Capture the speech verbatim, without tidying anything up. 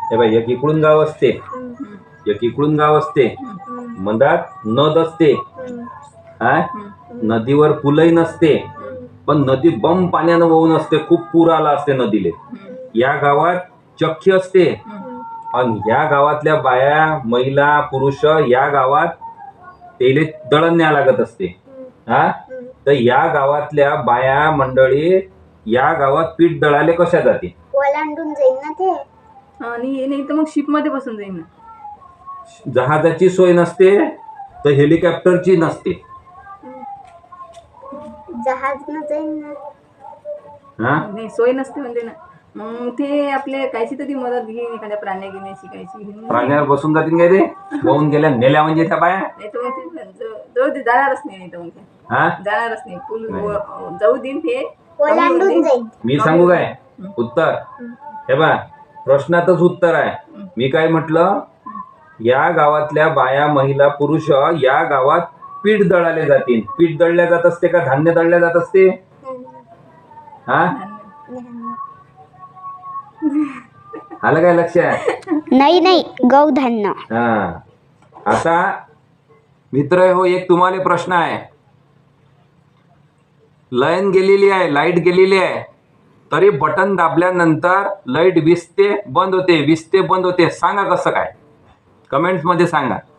हे बाई, एक इकडून गाव असते, एक इकडून गाव असते, मधात नद असते. हा, नदीवर पुलही नसते, पण नदी बम पाण्यानं वाहून असते, खूप पूर आला असते नदीले. या गावात चक्की असते, आणि या गावातल्या बाया, महिला, पुरुष या गावात तेले दळण न्याय लागत असते. हा, तर या गावातल्या बाया मंडळी या गावात पीठ दळाले कशा जाते? ओलांडून जाईल ना ते. आणि नाही तर मग शिप मध्ये बसून जाईल ना. जहाजाची सोय नसते तर हेलिकॉप्टरची नसते. जहाज न जाईल ना. हा, नाही सोय नसते म्हणजे ना. मग ते आपले कायची तरी मदत घेईन, एखाद्या प्राण्या घेण्याची कायची घेऊन. प्राण्यावर बसून जातील काय ते? वाहून गेल्या नेल्या म्हणजे त्या बाया. नाही तर मग ते जवळ ते जाणारच नाही. नाही तर मग ते हा, जाणारच नाही. पूल जाऊ देईन ते ओलांडून जाईल. मी सांगू काय उत्तर? हे बा, प्रश्नातच उत्तर आहे. मी काय म्हटलं? या गावातल्या बाया, महिला, पुरुष या गावात पीठ दळाले जातील. पीठ दळल्या जात असते का धान्य दळल्या जात असते? हा, आलं काय लक्षात? नाही नाही, गौधान्य. हा, आता मित्र हो, एक तुम्हाला प्रश्न आहे. लाईन गेलेली आहे, लाईट गेलेली आहे, तरी बटन दाबल्यानंतर लाईट विसते बंद होते, विसते बंद होते. सांगा कसं काय? कमेंट्स मध्ये सांगा.